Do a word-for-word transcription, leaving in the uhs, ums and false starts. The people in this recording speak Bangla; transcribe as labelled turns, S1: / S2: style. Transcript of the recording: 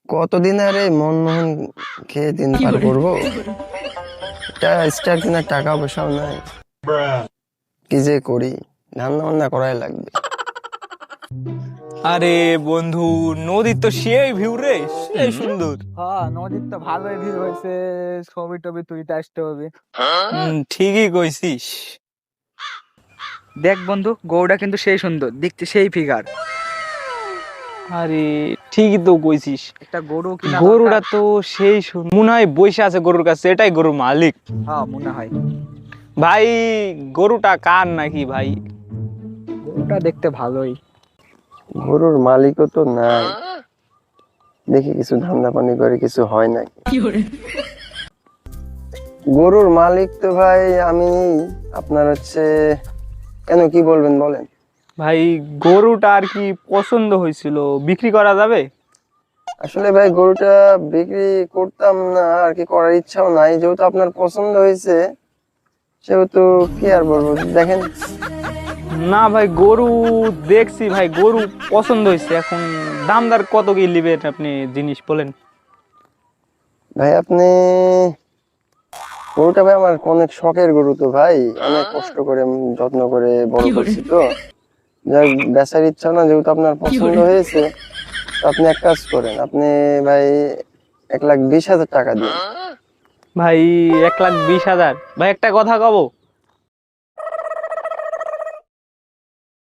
S1: কতদিন আর এই মনমোহন খেয়ে দিন পার করবো? এটা স্টার কেনার টাকা পয়সাও নাই। কি যে করি, রান্না বান্না করাই লাগবে।
S2: আরে বন্ধু, নদীর তো সেই ভিউ রে, সেই সুন্দর।
S3: হ্যাঁ, নদীর তো ভালোই ভিড় হয়েছে। ছবি টবি তুলতে আসতে হবে।
S2: হুম, ঠিকই কইছিস।
S3: দেখ বন্ধু, গৌড়া কিন্তু সেই সুন্দর দেখতে, সেই ফিগার।
S2: আরে ঠিকই তো কইছিস,
S3: একটা গরু কিনা
S2: গরুটা
S3: দরকার।
S2: তো সেই সুন্দর। মনে হয় বসে আছে গরুর কাছে, এটাই গরুর মালিক।
S3: হ্যাঁ, মনে হয়
S2: ভাই, গরুটা কার নাকি ভাই?
S3: গরুটা দেখতে ভালোই।
S1: গরুর মালিকও তো নাই, দেখি কিছু ধান্দা পানি করে কিছু হয় নাকি। গরুর মালিক তো ভাই আমি। আপনার হচ্ছে কেন, কি বলবেন বলেন।
S2: ভাই, গরুটা আর কি পছন্দ হয়েছিল, বিক্রি করা যাবে?
S1: আসলে ভাই গরুটা বিক্রি করতাম না আর কি, করার ইচ্ছাও নাই, যেহেতু আপনার পছন্দ হয়েছে সেহেতু কি আর বলবো, দেখেন।
S2: না ভাই, গরু দেখছি ভাই, গরু পছন্দ হয়েছে। এখন দামদার কত কি নেবেন আপনি, জিনিস বলেন।
S1: ভাই আপনি, গরুটা ভাই আমার অনেক শখের গরু তো ভাই, অনেক কষ্ট করে উম যত্ন করে বড় করছি তো। যাই হোক, বেচার ইচ্ছা না, যেহেতু আপনার পছন্দ হয়েছে, তো আপনি এক কাজ করেন, আপনি ভাই এক লাখ বিশ হাজার টাকা দিন।
S2: ভাই, এক লাখ বিশ হাজার? ভাই একটা কথা কব,